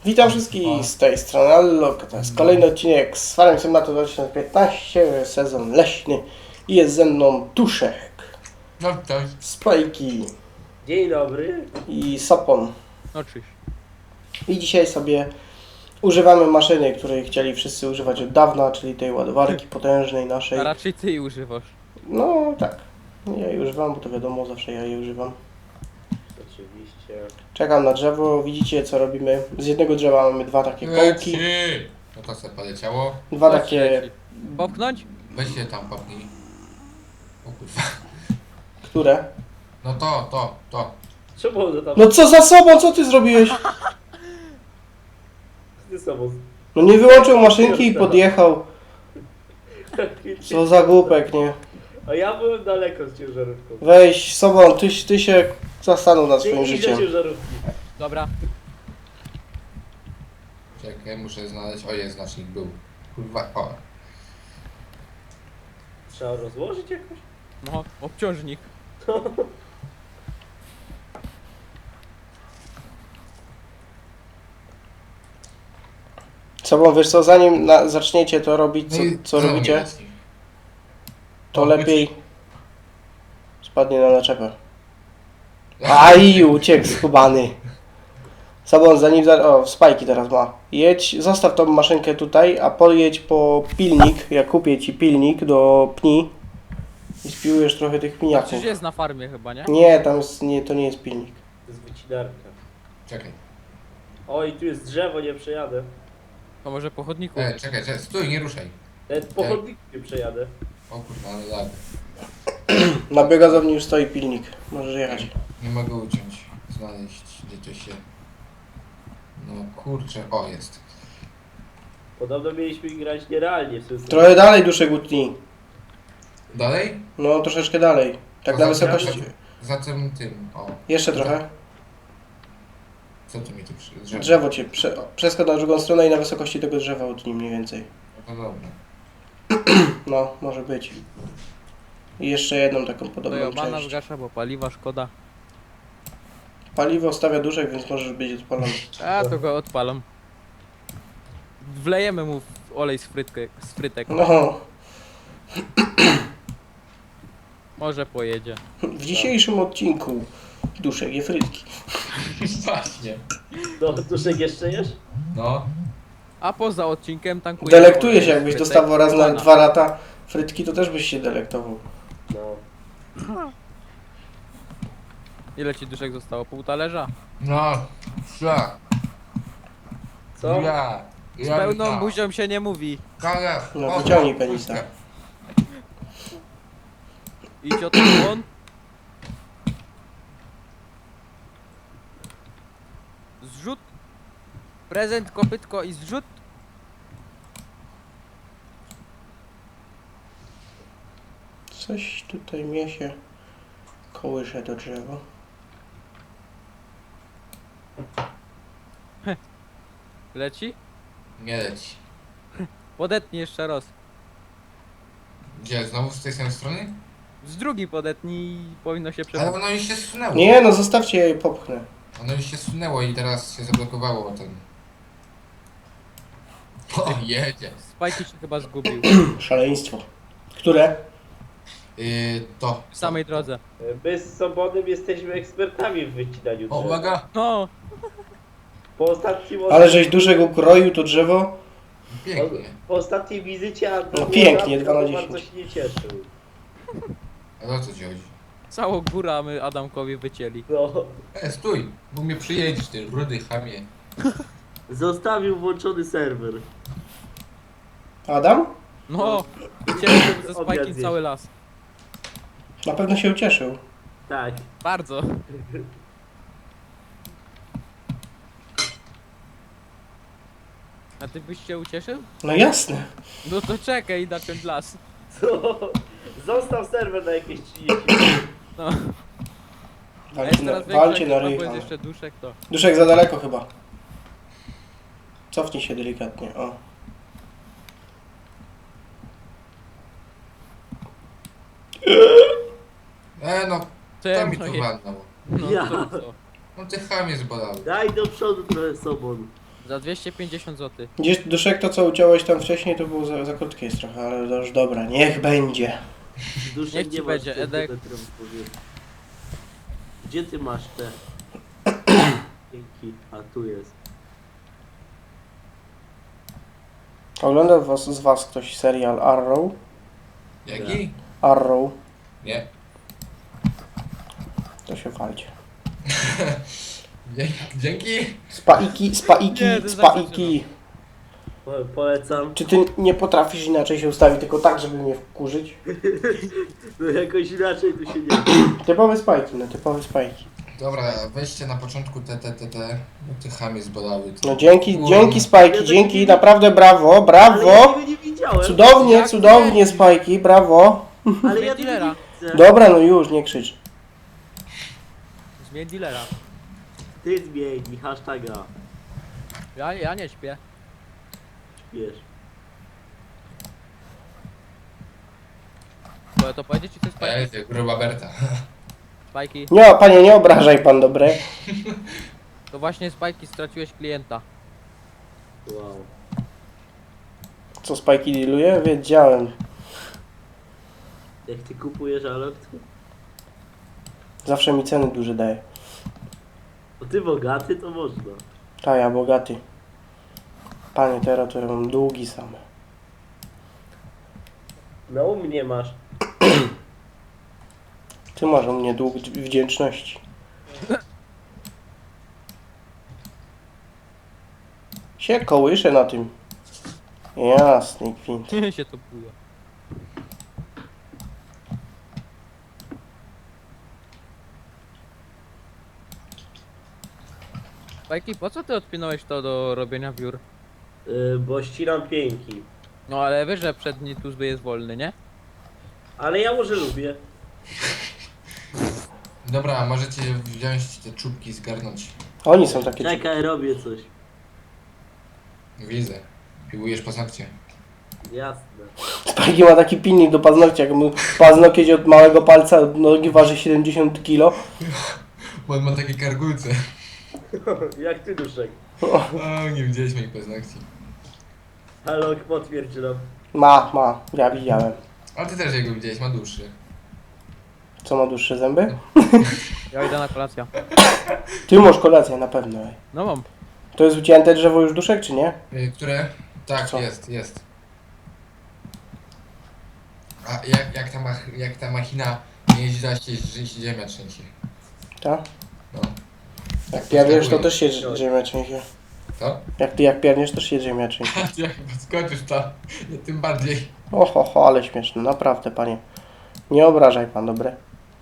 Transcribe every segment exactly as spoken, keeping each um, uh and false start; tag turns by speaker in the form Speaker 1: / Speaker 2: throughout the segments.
Speaker 1: Witam wszystkich z tej strony Allok. To jest kolejny odcinek z Farming Simulator dwa tysiące piętnaście, sezon leśny i jest ze mną Tuszek,
Speaker 2: No cześć.
Speaker 1: Spajki
Speaker 3: Dzień dobry.
Speaker 1: i Sopon.
Speaker 4: No czyś.
Speaker 1: I dzisiaj sobie używamy maszyny, której chcieli wszyscy używać od dawna, czyli tej ładowarki potężnej naszej.
Speaker 4: A raczej ty jej używasz.
Speaker 1: No tak, ja jej używam, bo to wiadomo, zawsze ja jej używam.
Speaker 3: Oczywiście.
Speaker 1: Czekam na drzewo, widzicie co robimy. Z jednego drzewa mamy dwa takie kołki,
Speaker 2: Leci. No to se poleciało.
Speaker 1: dwa
Speaker 4: Chodź,
Speaker 1: takie...
Speaker 4: leci. Popchnąć?
Speaker 2: Weź się tam popnij. O kurwa.
Speaker 1: Które?
Speaker 2: No to, to, to.
Speaker 3: Czemu one tam
Speaker 1: No co za sobą, co ty zrobiłeś?
Speaker 3: ze sobą?
Speaker 1: No nie wyłączył maszynki i podjechał. Co za głupek, nie?
Speaker 3: A ja byłem daleko z ciężarówką.
Speaker 1: Weź, sobą, ty, ty się zastanów nad
Speaker 3: Ty
Speaker 1: swoim
Speaker 3: idź do
Speaker 1: życiem.
Speaker 3: ciężarówki.
Speaker 4: Dobra.
Speaker 2: Czekaj, muszę znaleźć. O, jest znacznik, był. Kurwa, o.
Speaker 3: Trzeba rozłożyć jakoś?
Speaker 4: No, obciążnik.
Speaker 1: Sobą, wiesz co, zanim na, zaczniecie to robić, co,
Speaker 2: No i
Speaker 1: co
Speaker 2: znowu
Speaker 1: robicie,
Speaker 2: nie leci.
Speaker 1: to
Speaker 2: O,
Speaker 1: lepiej spadnie na naczepę. Aj, uciekł skubany. Sobą, zanim... Za... O, spajki teraz ma. Jedź, zostaw tą maszynkę tutaj, a pojedź po pilnik. Ja kupię ci pilnik do pni i spiłujesz trochę tych
Speaker 4: To
Speaker 1: pniaków.
Speaker 4: przecież jest na farmie chyba, nie?
Speaker 1: Nie, tam jest, nie, to nie jest pilnik.
Speaker 3: To jest wycinarka.
Speaker 2: Czekaj.
Speaker 3: Oj, tu jest drzewo, nie przejadę.
Speaker 4: To może po chodniku.
Speaker 2: E, czekaj, czekaj, stój, nie ruszaj.
Speaker 3: Nawet po chodniku nie przejadę.
Speaker 2: O kurwa, ale lag.
Speaker 1: Na biogazowni już stoi pilnik. Możesz jechać.
Speaker 2: Nie mogę uciąć. Znaleźć, gdzie to się... No kurczę, o jest.
Speaker 3: Podobno mieliśmy grać nierealnie w sensie.
Speaker 1: Trochę dalej duszek utnij.
Speaker 2: Dalej?
Speaker 1: No, troszeczkę dalej. Tak
Speaker 2: To
Speaker 1: na
Speaker 2: za-
Speaker 1: wysokości.
Speaker 2: Za tym, tym, o.
Speaker 1: Jeszcze trochę.
Speaker 2: Co tu mi tu przy... drzewo?
Speaker 1: Drzewo cię. Prze przeskocz na drugą stronę i na wysokości tego drzewa utnij mniej więcej.
Speaker 2: No dobra.
Speaker 1: No, może być. I jeszcze jedną taką
Speaker 4: To
Speaker 1: podobną
Speaker 4: ja bana
Speaker 1: część.
Speaker 4: zgasza, bo paliwa szkoda.
Speaker 1: Paliwo stawia duszek, więc możesz być odpalony.
Speaker 4: A to go odpalam. Wlejemy mu w olej z, frytkę, z frytek.
Speaker 1: No,
Speaker 4: Może pojedzie.
Speaker 1: w dzisiejszym odcinku duszek je frytki.
Speaker 2: Właśnie.
Speaker 3: No, Duszek jeszcze jesz?
Speaker 2: No.
Speaker 4: A poza odcinkiem tankuje.
Speaker 1: Delektuje się, jakbyś
Speaker 4: frytek
Speaker 1: dostawał raz na
Speaker 4: bana.
Speaker 1: dwa lata frytki, to też byś się delektował.
Speaker 3: No.
Speaker 4: Ile ci duszek zostało? Pół talerza?
Speaker 2: No. Ja.
Speaker 3: Co?
Speaker 2: Ja.
Speaker 4: Z
Speaker 2: Ja.
Speaker 4: pełną
Speaker 2: ja.
Speaker 4: buzią się nie mówi.
Speaker 2: Kale.
Speaker 1: No,
Speaker 2: O,
Speaker 1: wyciągnij
Speaker 2: o,
Speaker 1: penisa.
Speaker 4: Idź o ten błon. Zrzut. Prezent, kopytko i zrzut.
Speaker 1: Coś tutaj mnie się kołysze do drzewa.
Speaker 4: Leci.
Speaker 2: Nie leci.
Speaker 4: Podetnij jeszcze raz.
Speaker 2: Gdzie? Znowu z tej samej strony?
Speaker 4: Z drugiej podetnij i powinno się
Speaker 2: Ale
Speaker 4: przewrócić.
Speaker 2: ono już się zsunęło.
Speaker 1: Nie, no zostawcie je i popchnę.
Speaker 2: Ono już się zsunęło i teraz się zablokowało ten. O, jedzie.
Speaker 4: Spajki się chyba zgubił.
Speaker 1: Szaleństwo. Które?
Speaker 2: Yy, to.
Speaker 4: W samej drodze.
Speaker 3: My z Sobonem jesteśmy ekspertami w wycinaniu
Speaker 2: O,
Speaker 3: drzew.
Speaker 2: uwaga!
Speaker 4: No,
Speaker 3: Po ostatnim
Speaker 1: Ale żeś duszek ukroił to drzewo?
Speaker 2: Pięknie.
Speaker 3: Po ostatniej wizycie Anton
Speaker 1: No pięknie, dwa na
Speaker 3: bardzo
Speaker 1: dziesięć.
Speaker 3: się nie cieszył.
Speaker 2: Ale o co ci chodzi?
Speaker 4: całą górę my Adamkowi wycięli.
Speaker 3: No.
Speaker 2: E, stój! Bo mnie przyjedziesz, ty rudy chamie.
Speaker 3: Zostawił włączony serwer.
Speaker 1: Adam?
Speaker 4: No, wycięliśmy ze
Speaker 3: Obiad
Speaker 4: Spajkiem
Speaker 3: zjeść.
Speaker 4: cały las.
Speaker 1: Na pewno się ucieszył.
Speaker 3: Tak.
Speaker 4: Bardzo. A ty byś się ucieszył?
Speaker 1: No jasne.
Speaker 4: No to czekaj, naciąć las.
Speaker 3: Co? Zostaw serwer na jakieś trzydzieści.
Speaker 4: No, a
Speaker 1: Walcie
Speaker 4: jest
Speaker 1: na,
Speaker 4: teraz
Speaker 1: walcie
Speaker 4: większa
Speaker 1: na
Speaker 4: ekipa,
Speaker 1: ryj.
Speaker 4: bo jest
Speaker 1: ale-
Speaker 4: jeszcze duszek, to...
Speaker 1: Duszek za daleko chyba. Cofnij się delikatnie, o.
Speaker 2: E, no,
Speaker 4: Co ja
Speaker 2: to mi
Speaker 4: no
Speaker 2: tu
Speaker 4: je-
Speaker 2: walnął.
Speaker 4: No
Speaker 3: Ja.
Speaker 4: to co?
Speaker 2: No ty chamie zbolały.
Speaker 3: Daj do przodu trochę Sobon.
Speaker 4: Za dwieście pięćdziesiąt złotych.
Speaker 1: Gdzieś duszek to co uciąłeś tam wcześniej to było za, za krótkie jest trochę, ale to już dobra, niech będzie.
Speaker 3: Duszek
Speaker 4: Niech ci
Speaker 3: nie masz
Speaker 4: będzie,
Speaker 3: tych
Speaker 4: Edek.
Speaker 3: metrów, powiem. Gdzie ty masz te? Dzięki. A tu jest.
Speaker 1: Ogląda was, z was ktoś serial Arrow?
Speaker 2: Jaki?
Speaker 1: Arrow,
Speaker 2: Nie.
Speaker 1: to się walcie.
Speaker 2: Dzie- Dzięki.
Speaker 1: Spaiki, spaiki,
Speaker 4: Nie, to
Speaker 1: spaiki.
Speaker 3: Po, polecam.
Speaker 1: Czy ty nie potrafisz inaczej się ustawić, tylko tak, żeby mnie wkurzyć?
Speaker 3: No jakoś inaczej tu się nie...
Speaker 1: Typowe spajki, no typowe spajki.
Speaker 2: Dobra, weźcie na początku te, te, te, te, bo te chamy zbolały. Te.
Speaker 1: No dzięki,
Speaker 2: Kurwa.
Speaker 1: dzięki spajki, dzięki, naprawdę brawo,
Speaker 3: Ale ja
Speaker 1: brawo.
Speaker 3: tego nie widziałem.
Speaker 1: Cudownie,
Speaker 4: Jak
Speaker 1: cudownie
Speaker 4: nie?
Speaker 1: spajki, brawo.
Speaker 3: Ale ja tego nie
Speaker 4: Dealera.
Speaker 3: widzę.
Speaker 1: Dobra, no już, nie krzycz.
Speaker 4: Zmień dealera.
Speaker 3: Ty zmień hashtaga.
Speaker 4: Ja, ja nie śpię.
Speaker 3: Wiesz.
Speaker 4: Bo to powiedzieć ci coś
Speaker 2: To
Speaker 4: spajki?
Speaker 2: jest jak gruba Berta.
Speaker 4: Spajki.
Speaker 1: Nie, panie, nie obrażaj pan, dobre.
Speaker 4: To właśnie spajki straciłeś klienta.
Speaker 3: Wow.
Speaker 1: Co spajki dealuje? Wiedziałem.
Speaker 3: Jak ty kupujesz Alok, to...
Speaker 1: Zawsze mi ceny duże daje.
Speaker 3: Bo ty bogaty, to można.
Speaker 1: Ta, ja bogaty. Panie, teraz to ja mam długi same.
Speaker 3: No u mnie masz.
Speaker 1: Ty masz u mnie dług wdzięczności. Się kołyszę na tym. Jasny gwint.
Speaker 4: się to buje. Spajki, po co ty odpinąłeś to do robienia wiór?
Speaker 3: Yy, bo ścinam pięki.
Speaker 4: No ale wiesz, że przedni tuzby jest wolny, nie?
Speaker 3: Ale ja może lubię.
Speaker 2: Dobra, a możecie wziąć te czubki i zgarnąć.
Speaker 1: Oni są takie...
Speaker 3: Czekaj, robię coś.
Speaker 2: Widzę. Piłujesz paznokcie.
Speaker 3: Jasne.
Speaker 1: Spajki ma taki pilnik do paznokcia, jak mu paznokieć od małego palca od nogi waży siedemdziesiąt kilo.
Speaker 2: Bo on ma takie kargulce.
Speaker 3: Jak ty, Duszek?
Speaker 2: O, nie widzieliśmy ich paznokci.
Speaker 3: Alok, potwierdź nam.
Speaker 1: Ma, ma, ja widziałem.
Speaker 2: A ty też jego widziałeś, ma dłuższy.
Speaker 1: Co ma dłuższe zęby?
Speaker 4: Ja idę na kolację.
Speaker 1: Ty masz kolację na pewno. Ej.
Speaker 4: No mam.
Speaker 1: To jest ucięte drzewo już duszek, czy nie?
Speaker 2: Y, Które? Tak,
Speaker 1: Co?
Speaker 2: jest, jest. A jak, jak, ta, mach, jak ta machina nie jeździ, to się, że się ziemia trzęsie.
Speaker 1: Tak?
Speaker 2: No.
Speaker 1: Jak pierniesz, to też się drz- ziemia trzęsie.
Speaker 2: Co?
Speaker 1: Jak ty jak pierniesz, też się ziemia trzęsie.
Speaker 2: Jak podskoczysz to, no, tym bardziej.
Speaker 1: Oho, ho, ale śmieszne, naprawdę, panie. Nie obrażaj pan, dobre?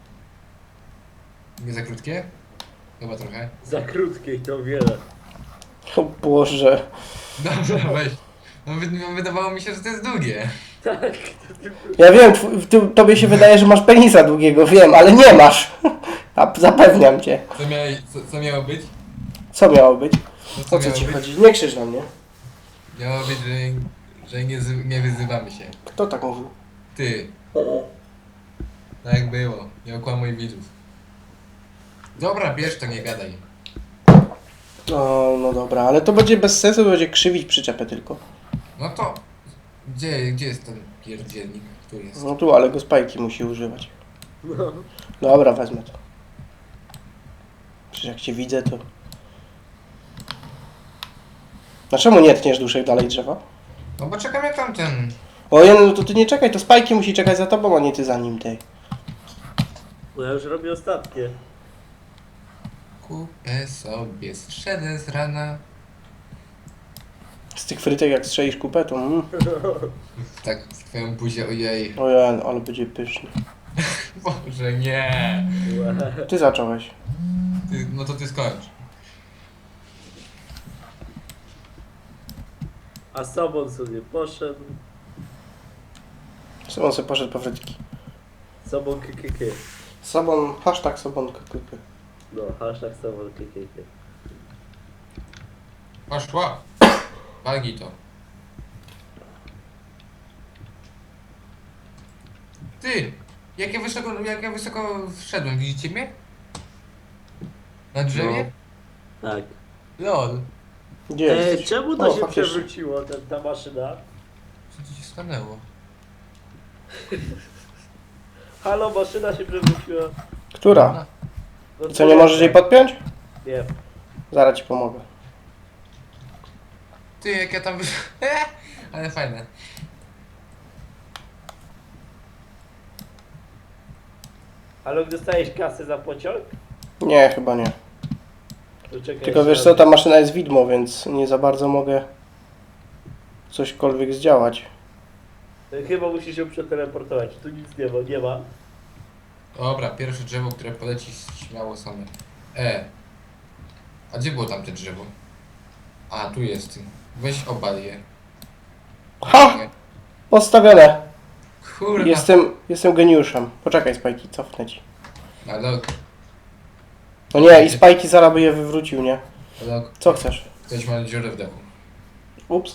Speaker 2: Nie za krótkie? Chyba trochę.
Speaker 3: Za krótkie i to wiele.
Speaker 1: O Boże.
Speaker 2: Dobra, weź. No, wy, no, wydawało mi się, że to jest długie.
Speaker 3: Tak.
Speaker 1: Ja wiem, tw- ty, tobie się wydaje, że masz penisa długiego, wiem, ale nie masz. A zapewniam cię.
Speaker 2: Co, miałeś, co, co miało być?
Speaker 1: Co miało być?
Speaker 2: No, co
Speaker 1: O co
Speaker 2: miało
Speaker 1: ci
Speaker 2: być?
Speaker 1: chodzi? Nie krzycz na mnie.
Speaker 2: Miało być, że, że nie, zy- nie wyzywamy się.
Speaker 1: Kto tak mówił?
Speaker 2: Ty. Tak jak było. Nie okłamuj widzów. Dobra, bierz to, nie gadaj.
Speaker 1: O, no dobra, ale to będzie bez sensu, będzie krzywić przyczepę tylko.
Speaker 2: No to... Gdzie, gdzie jest ten pierdzielnik? Tu jest.
Speaker 1: No tu, ale go spajki musi używać.
Speaker 3: No.
Speaker 1: Dobra, wezmę to. Przecież jak cię widzę, to... Dlaczego nie tniesz duszek dalej drzewa?
Speaker 2: No bo czekam jak tamten.
Speaker 1: Ojej, no to ty nie czekaj, to spajki musi czekać za tobą, a nie ty za nim, tej.
Speaker 3: Bo ja już robię ostatnie.
Speaker 2: Kupę sobie strzelę z rana.
Speaker 1: Z tych frytek jak strzelisz kupę, to mm.
Speaker 2: Tak, w twoją buzię, ojej.
Speaker 1: Ojej, ale będzie pyszny.
Speaker 2: Boże, nie.
Speaker 3: Łe.
Speaker 1: Ty zacząłeś.
Speaker 2: Ty, no to ty skończ.
Speaker 3: A sobą sobie poszedł.
Speaker 1: On sobie poszedł po frytki.
Speaker 3: Sobą kkk.
Speaker 1: Sobon, hashtag sobon kkk.
Speaker 3: No, hashtag sobą kkk.
Speaker 2: Poszła. Walnij to. Ty! Jak ja wysoko, jak ja wysoko wszedłem, widzicie mnie? Na drzewie?
Speaker 3: Tak.
Speaker 2: Lol.
Speaker 1: Gdzie
Speaker 3: Ej,
Speaker 1: jesteś?
Speaker 3: czemu to
Speaker 1: O,
Speaker 3: się
Speaker 1: faktycznie.
Speaker 3: przewróciło, ten, ta maszyna?
Speaker 2: Co tu się stanęło?
Speaker 3: Halo, maszyna się przewróciła.
Speaker 1: Która?
Speaker 3: No
Speaker 1: Co, nie możesz jej podpiąć?
Speaker 3: Nie.
Speaker 1: Zaraz ci pomogę.
Speaker 2: Ty, jak ja tam wyszłem. Ale fajne.
Speaker 3: Halo, dostajesz kasę za pociąg?
Speaker 1: Nie, chyba nie.
Speaker 3: To czekaj,
Speaker 1: Tylko
Speaker 3: jeszcze
Speaker 1: wiesz
Speaker 3: raz.
Speaker 1: co, ta maszyna jest widmo, więc nie za bardzo mogę cośkolwiek zdziałać.
Speaker 3: Chyba musisz ją przeteleportować. Tu nic nie ma, nie ma.
Speaker 2: Dobra, pierwsze drzewo, które poleci śmiało same. E. A gdzie było tamte drzewo? A, tu jest. Weź obal je.
Speaker 1: Ha! Postawione!
Speaker 2: Kurwa.
Speaker 1: Jestem, jestem geniuszem. Poczekaj, Spajki, cofnę ci.
Speaker 2: Ale,
Speaker 1: No nie, i Spajki zaraz by je wywrócił, nie?
Speaker 2: ale
Speaker 1: Co chcesz?
Speaker 2: ktoś ma dziurę w dachu.
Speaker 1: Ups.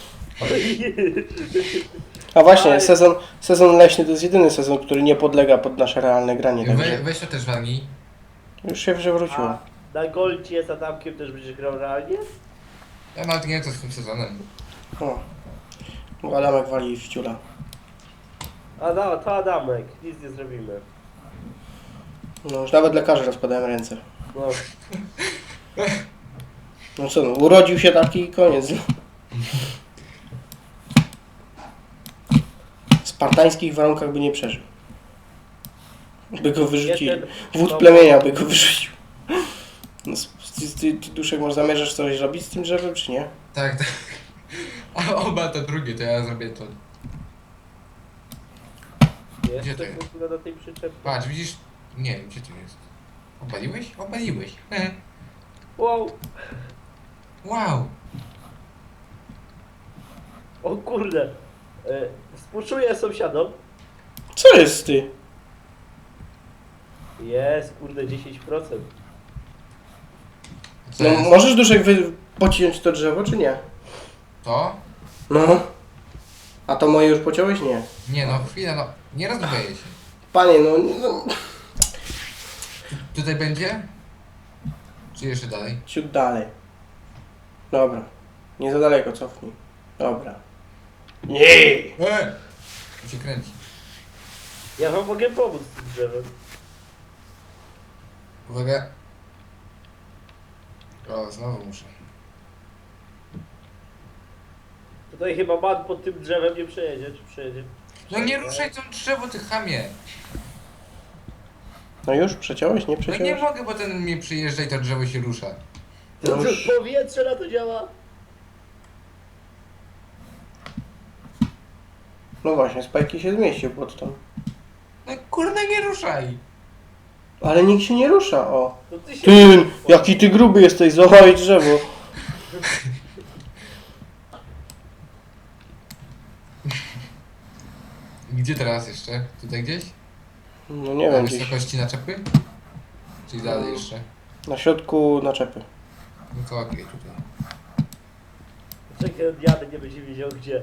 Speaker 1: A właśnie,
Speaker 3: Aj.
Speaker 1: sezon, sezon leśny to jest jedyny sezon, który nie podlega pod nasze realne granie.
Speaker 2: We,
Speaker 1: Także
Speaker 2: weź to też walnij.
Speaker 1: już się przewróciło.
Speaker 3: A na Goldzie z Adamkiem też będziesz grał realnie?
Speaker 2: Ja nawet nie wiem co z tym sezonem.
Speaker 1: O. Bo Adamek wali w ciula.
Speaker 3: A no, to Adamek, nic nie zrobimy.
Speaker 1: No już nawet lekarze rozkładają ręce.
Speaker 3: No,
Speaker 1: No co no, urodził się taki i koniec. W spartańskich warunkach by nie przeżył. By go wyrzucili.
Speaker 3: Jeden-
Speaker 1: Wódz
Speaker 3: no,
Speaker 1: plemienia by go wyrzucił. No, ty, ty, ty Duszek, może zamierzasz coś robić z tym drzewem, czy nie?
Speaker 2: Tak, tak. A oba to drugie, to ja zrobię to.
Speaker 3: Jeszcze
Speaker 2: Gdzie to jest?
Speaker 3: w ogóle na tej przyczepie.
Speaker 2: Patrz, widzisz? Nie wiem, gdzie to jest. Obaliłeś? Obaliłeś. He.
Speaker 3: Wow,
Speaker 2: Wow.
Speaker 3: o kurde. E, współczuję sąsiadom.
Speaker 1: Co jest ty?
Speaker 3: Jest, kurde, dziesięć procent.
Speaker 2: Co
Speaker 1: No,
Speaker 2: jest?
Speaker 1: możesz Duszek wy... pociąć to drzewo, czy nie?
Speaker 2: To?
Speaker 1: No. A to moje już pociąłeś? Nie.
Speaker 2: Nie no, chwila, no. Nie rozboję się.
Speaker 1: Panie, no, no
Speaker 2: Tutaj będzie? Czy jeszcze dalej?
Speaker 1: ciut dalej. Dobra. Nie za daleko, cofnij. Dobra. Nie!
Speaker 2: Eee! Tu się kręci.
Speaker 3: Ja wam mogę pomóc z tym drzewem.
Speaker 2: Uwaga. O, znowu muszę.
Speaker 3: Tutaj chyba man pod tym drzewem nie przejedzie, czy przejedzie?
Speaker 2: No nie ruszaj tą drzewo, ty chamie.
Speaker 1: No już? Przeciąłeś? Nie
Speaker 2: No nie
Speaker 1: przeciąłeś?
Speaker 2: mogę, bo ten mnie przyjeżdża i to drzewo się rusza.
Speaker 3: To
Speaker 1: No
Speaker 3: co,
Speaker 1: już.
Speaker 3: powietrze na to działa?
Speaker 1: No właśnie, Spajki się zmieścił pod tą.
Speaker 2: No kurde, nie ruszaj.
Speaker 1: Ale nikt się nie rusza, o.
Speaker 3: To ty się...
Speaker 1: Ty, jaki ty gruby jesteś, złamałeś drzewo.
Speaker 2: Gdzie teraz jeszcze? Tutaj gdzieś?
Speaker 1: No nie
Speaker 2: Na
Speaker 1: wiem, gdzieś.
Speaker 2: wysokości naczepy? Czyli dalej jeszcze?
Speaker 1: Na środku naczepy.
Speaker 2: No to okej, tutaj.
Speaker 3: Czekaj, jadę, nie będzie wiedział gdzie.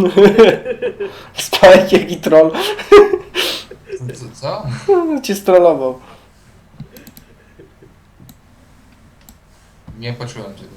Speaker 1: Spajek jaki troll.
Speaker 2: Co? co, co?
Speaker 1: Cię strollował.
Speaker 2: Nie poczułem tego.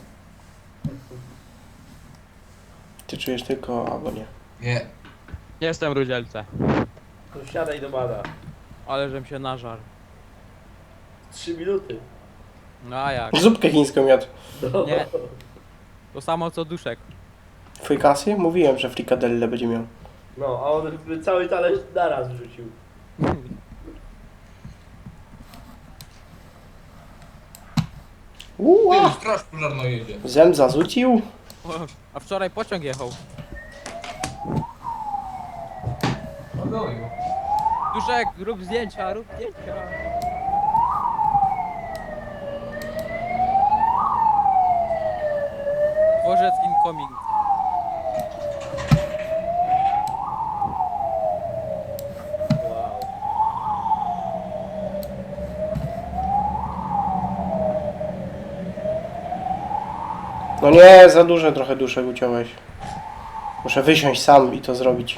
Speaker 1: Ty czujesz tylko, albo nie.
Speaker 2: Nie.
Speaker 4: Jestem rudzielce.
Speaker 3: To siadaj do mana.
Speaker 4: Ale żem się nażarł.
Speaker 3: Trzy minuty.
Speaker 4: No a jak?
Speaker 1: Zupkę chińską jadł.
Speaker 3: No.
Speaker 4: Nie. To samo co duszek.
Speaker 1: Frikasy? Mówiłem, że frikadelle będzie miał.
Speaker 3: No, a on by cały talerz naraz wrzucił.
Speaker 1: Uła!
Speaker 2: Ty, straż pożarna jedzie.
Speaker 1: Zem zazucił?
Speaker 4: O, a wczoraj pociąg jechał.
Speaker 2: Ogoju.
Speaker 4: Duszek, rób zdjęcia, rób zdjęcia. Dworzec incoming.
Speaker 3: Wow.
Speaker 1: No nie, za duże trochę duszek uciąłeś. Muszę wysiąść sam i to zrobić.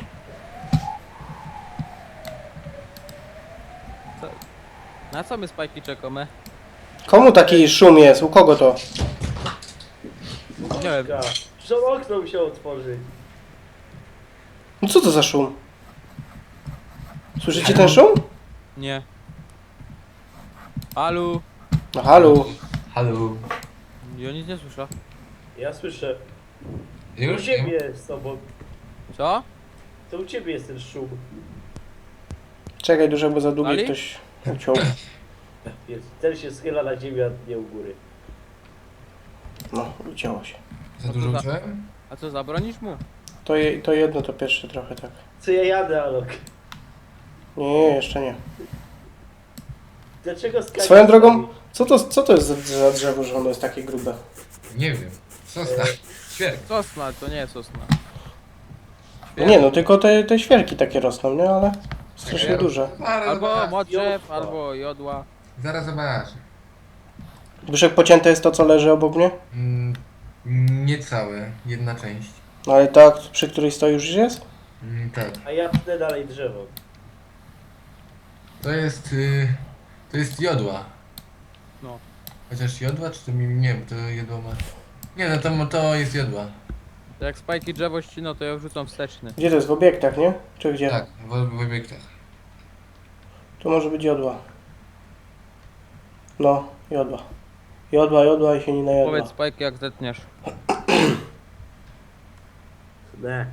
Speaker 4: Na co my spajki czekamy?
Speaker 1: Komu taki szum jest? U kogo to?
Speaker 4: Nie wiem.
Speaker 3: Puszka. Przecież okno musiał otworzyć.
Speaker 1: No co to za szum? Słyszycie ten szum?
Speaker 4: Nie. Alu.
Speaker 1: No halo.
Speaker 2: Halo.
Speaker 4: Ja nic nie słyszę.
Speaker 3: Ja słyszę. U
Speaker 2: Już?
Speaker 3: ciebie z tobą.
Speaker 4: Co?
Speaker 3: To u ciebie jest ten szum.
Speaker 1: Czekaj, dużo, bo za długo
Speaker 4: Ali?
Speaker 1: ktoś uciął.
Speaker 3: Jest. Ten się schyla na ziemię, a nie u góry.
Speaker 1: No, ucięło się.
Speaker 2: Za dużo
Speaker 4: No to za-
Speaker 2: uczyłem?
Speaker 4: A co, zabronisz mu?
Speaker 1: To, je, to jedno, to pierwsze trochę tak.
Speaker 3: Co ja jadę, Alok?
Speaker 1: Nie, nie, jeszcze nie.
Speaker 3: Dlaczego skakać?
Speaker 1: Swoją drogą, co to, co to jest za, za drzewo, że ono jest takie grube?
Speaker 2: Nie wiem. Sosna. Świerk.
Speaker 4: Sosna, to nie jest sosna.
Speaker 1: No nie, no tylko te, te świerki takie rosną, nie? Ale strasznie
Speaker 2: Ja-
Speaker 1: duże.
Speaker 2: Zaraz
Speaker 4: Albo
Speaker 2: zobacz.
Speaker 4: modrzew,
Speaker 3: Jodła.
Speaker 4: albo jodła.
Speaker 2: Zaraz zobacz.
Speaker 1: Zbyszek, pocięte jest to, co leży obok mnie?
Speaker 2: Mm, niecałe. Jedna część.
Speaker 1: No ale ta, przy której stoi już jest?
Speaker 2: Mm, tak.
Speaker 3: A ja tnę dalej drzewo.
Speaker 2: To jest... Y, to jest jodła.
Speaker 4: No.
Speaker 2: Chociaż jodła, czy to mi... Nie wiem, to jodła ma... Nie no, to, to jest jodła.
Speaker 4: To jak spajki drzewo ścino, to ja wrzucam wsteczny.
Speaker 1: Gdzie to jest? W obiektach, nie? Czy gdzie?
Speaker 2: Tak, w, w obiektach.
Speaker 1: Tu może być jodła. No, jodła. Jodła, jodła i się nie najadła.
Speaker 4: Powiedz spajki jak zetniesz.
Speaker 3: Ne.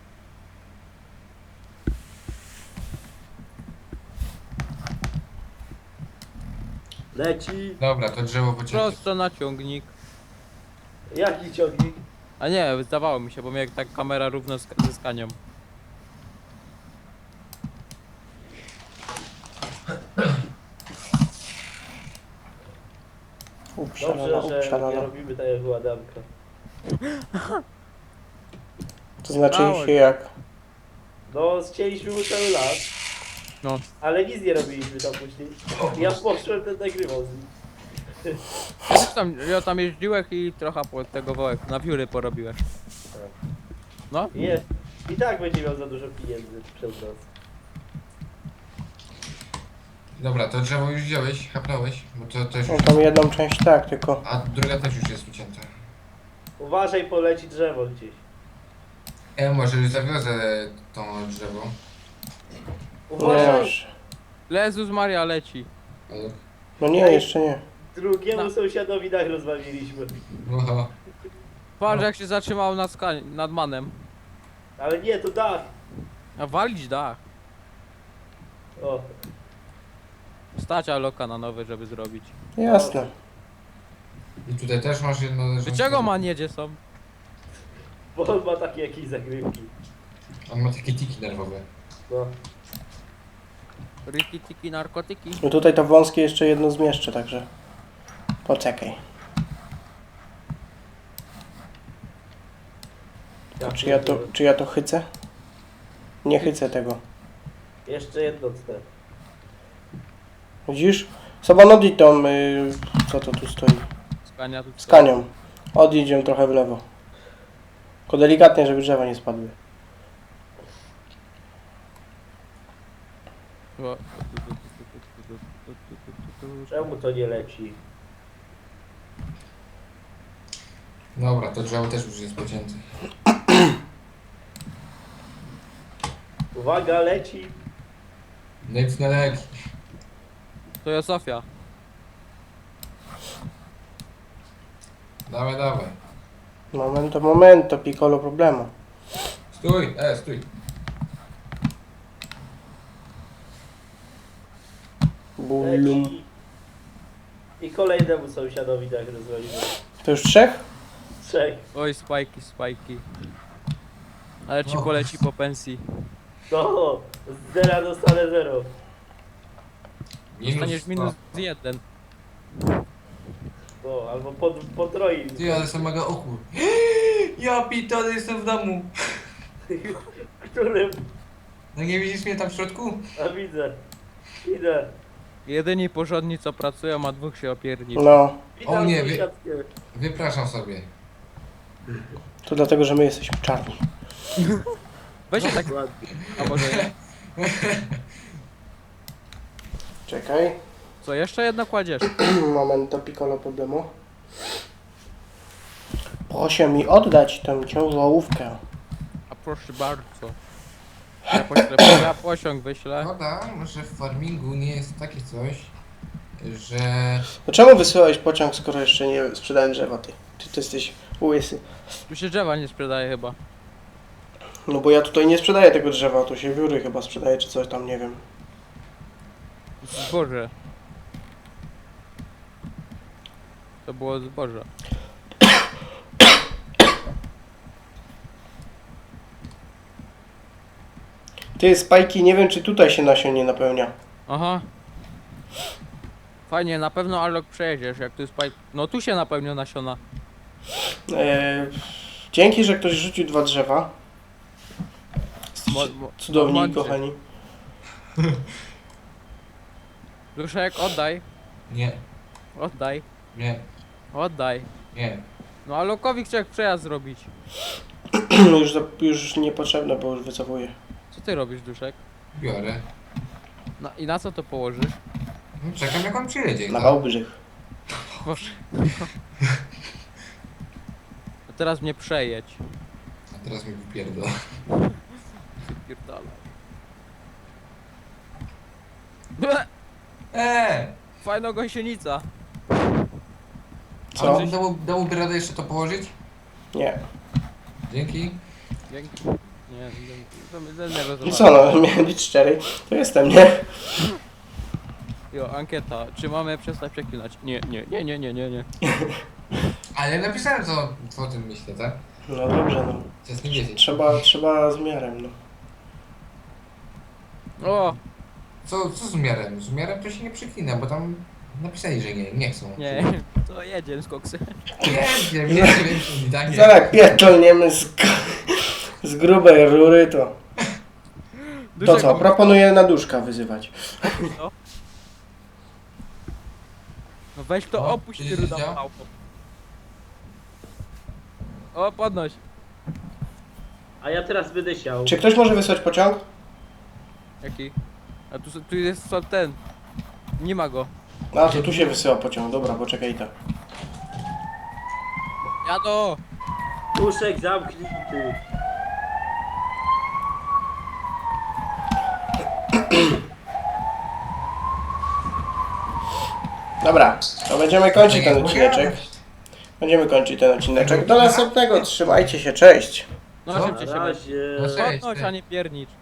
Speaker 3: Leci.
Speaker 2: Dobra, to drzewo pocięte.
Speaker 4: Prosto na ciągnik.
Speaker 3: Jaki ciągnik?
Speaker 4: A nie, zdawało mi się, bo mnie tak kamera równo z, ze skanią.
Speaker 1: Uprzalana,
Speaker 3: Dobrze, że nie
Speaker 1: uprzalana.
Speaker 3: robimy tak jak u Adamka.
Speaker 1: To znaczy
Speaker 4: Mało.
Speaker 1: się jak?
Speaker 3: No, chcieliśmy mu cały lat.
Speaker 4: No.
Speaker 3: Ale nic nie robiliśmy tam później. Ja poszłem, ten nagrywał z nim.
Speaker 4: Ja też tam, ja tam jeździłeś i trochę po tego wołek, na wióry porobiłeś. No,
Speaker 3: Nie. I tak będzie miał za dużo pieniędzy przez nas.
Speaker 2: Dobra, to drzewo już wziąłeś, chapnąłeś, bo to też
Speaker 1: No
Speaker 2: już...
Speaker 1: tam jedną część tak, tylko.
Speaker 2: A druga też już jest ucięta.
Speaker 3: Uważaj, poleci drzewo gdzieś.
Speaker 2: E, może już zawiozę to drzewo.
Speaker 1: Nie
Speaker 3: Uważaj,
Speaker 1: już.
Speaker 4: Jezus Maria leci.
Speaker 2: Ale...
Speaker 1: No nie, jeszcze nie.
Speaker 3: drugiemu
Speaker 4: No.
Speaker 3: sąsiadowi dach rozwaliliśmy.
Speaker 2: Oho.
Speaker 4: Patrz jak się zatrzymał nad, skań, nad manem.
Speaker 3: Ale nie, to dach.
Speaker 4: A walić dach.
Speaker 3: O,
Speaker 4: Stać Aloka na nowy, żeby zrobić.
Speaker 1: Jasne.
Speaker 2: I tutaj też masz jedno leżące.
Speaker 4: Dlaczego man jedzie są?
Speaker 3: bo on ma takie jakieś zagrywki.
Speaker 2: On ma takie tiki nerwowe.
Speaker 3: No.
Speaker 4: Riki, tiki, narkotyki.
Speaker 1: No tutaj to wąskie jeszcze jedno zmieszczę, także. Poczekaj.
Speaker 3: Ja
Speaker 1: Czy ja to,
Speaker 3: pierdolę.
Speaker 1: czy ja to chycę? Nie chycę tego.
Speaker 3: Jeszcze jedno cnę.
Speaker 1: Widzisz? Sobą odjedź tą, y, co to tu stoi?
Speaker 4: Skania tu
Speaker 1: Z kanią. Odjedź ją trochę w lewo. Tylko delikatnie, żeby drzewa nie spadły.
Speaker 4: O.
Speaker 3: Czemu to nie leci?
Speaker 2: Dobra, to drzewo też już jest pocięte.
Speaker 3: Uwaga, leci.
Speaker 2: Nic na leki.
Speaker 4: To jest Sofia.
Speaker 2: Dawaj, dawaj.
Speaker 1: Momento, momento, piccolo problema.
Speaker 2: Stój, e, stój.
Speaker 1: Bulum.
Speaker 3: Leci. I kolejnemu sąsiadowi dach rozwalimy.
Speaker 1: To już trzech?
Speaker 3: Trzech.
Speaker 4: Oj, spajki, spajki. Ale ci
Speaker 2: O.
Speaker 4: poleci po pensji.
Speaker 3: No, z zera dostanę zero.
Speaker 4: Dostaniesz
Speaker 2: sto.
Speaker 4: minus jeden.
Speaker 3: No, albo pod, potroi.
Speaker 2: Ty, ale są mega ochór. Ja pitole, jestem w domu.
Speaker 3: Którym?
Speaker 2: No nie widzisz mnie tam w środku?
Speaker 3: A widzę. Idę.
Speaker 4: Jedyni porządni co pracują, a dwóch się opierdzi.
Speaker 1: No,
Speaker 3: Witam
Speaker 2: O nie, wie-
Speaker 3: sąsiadkę.
Speaker 2: Wypraszam sobie.
Speaker 1: to dlatego, że my jesteśmy czarni.
Speaker 4: Weź się tak,
Speaker 3: Ładnie.
Speaker 4: a może nie?
Speaker 1: Czekaj.
Speaker 4: Co, jeszcze jedno kładziesz?
Speaker 1: Momento, piccolo problemo. Proszę mi oddać tę ciężarówkę.
Speaker 4: A proszę bardzo. Ja, poślę, ja posiąg wyślę.
Speaker 2: Szkoda, że w farmingu nie jest takie coś, że...
Speaker 1: No czemu wysyłałeś pociąg, skoro jeszcze nie sprzedałem drzewa, ty? Ty, ty jesteś łysy.
Speaker 4: Tu się drzewa nie sprzedaje chyba.
Speaker 1: No bo ja tutaj nie sprzedaję tego drzewa, tu się wióry chyba sprzedaje, czy coś tam, nie wiem.
Speaker 4: Zboże. To było zboże.
Speaker 1: Ty, spajki, nie wiem, czy tutaj się nasion nie napełnia.
Speaker 4: Aha. Fajnie, na pewno Alok przejedziesz, jak tu jest pipe. No tu się napełnia nasiona.
Speaker 1: Eee, dzięki, że ktoś rzucił dwa drzewa.
Speaker 4: Mo, mo,
Speaker 1: Cudowni,
Speaker 4: mądrzy.
Speaker 1: kochani.
Speaker 4: Duszek, oddaj.
Speaker 2: Nie,
Speaker 4: Oddaj.
Speaker 2: nie,
Speaker 4: Oddaj.
Speaker 2: nie.
Speaker 4: No Alokowi chciał przejazd zrobić.
Speaker 1: już, za- już niepotrzebne, bo już wycofuję.
Speaker 4: Co ty robisz, Duszek?
Speaker 2: Biorę.
Speaker 4: No i na co to położysz?
Speaker 2: No, czekam jak on przyjedzie.
Speaker 1: Na
Speaker 2: no.
Speaker 1: Wałbrzych.
Speaker 4: Boże. A teraz mnie przejedź.
Speaker 2: A teraz mi wypierdol.
Speaker 4: Pierdolę.
Speaker 2: Eee!
Speaker 4: Fajna gąsienica.
Speaker 1: Co?
Speaker 2: A dało, dałoby radę jeszcze to położyć?
Speaker 1: Nie.
Speaker 2: Dzięki.
Speaker 4: Dzięki. Nie, dzięki. To my ze innego
Speaker 1: No
Speaker 4: zobaczymy.
Speaker 1: co no, miałem być szczery. To jestem, nie?
Speaker 4: Jo, ankieta. Czy mamy przestać przeklinać? Nie, nie, nie, nie, nie, nie, nie.
Speaker 2: Ale napisałem co, co o tym myślę, tak?
Speaker 1: No dobrze, no.
Speaker 2: Chcesz nie wiedzieć.
Speaker 1: Trzeba, trzeba z miarem, no.
Speaker 4: O!
Speaker 2: Co, co z miarem? Z miarem to się nie przyklina, bo tam napisali, że nie, nie chcą.
Speaker 4: Nie, to jedziemy z koksy.
Speaker 2: Nie wiem, nie wiem, nie tak nie.
Speaker 1: Zaraz pierdolniemy z, z grubej rury, to... To
Speaker 4: Duszek,
Speaker 1: co, proponuję na duszka wyzywać.
Speaker 4: no. No weź to
Speaker 2: O,
Speaker 4: opuść
Speaker 2: widzisz,
Speaker 4: ty ruda
Speaker 2: działa?
Speaker 4: małpo. O, podnoś.
Speaker 3: A ja teraz będę siał.
Speaker 1: Czy ktoś może wysłać pociąg?
Speaker 4: Jaki? A tu, tu jest co ten. Nie ma go.
Speaker 1: A, to tu się wysyła pociąg, dobra, poczekaj to.
Speaker 4: Jado!
Speaker 3: Duszek zamknięty.
Speaker 1: Dobra, to będziemy kończyć ten odcineczek. Będziemy kończyć ten odcineczek. Do następnego, trzymajcie się, cześć!
Speaker 4: No
Speaker 2: Co?
Speaker 4: szybciej
Speaker 3: Na
Speaker 4: się weź.
Speaker 3: razie.
Speaker 2: No cześć,
Speaker 4: Podnoś,
Speaker 2: ty.
Speaker 4: a nie piernicz.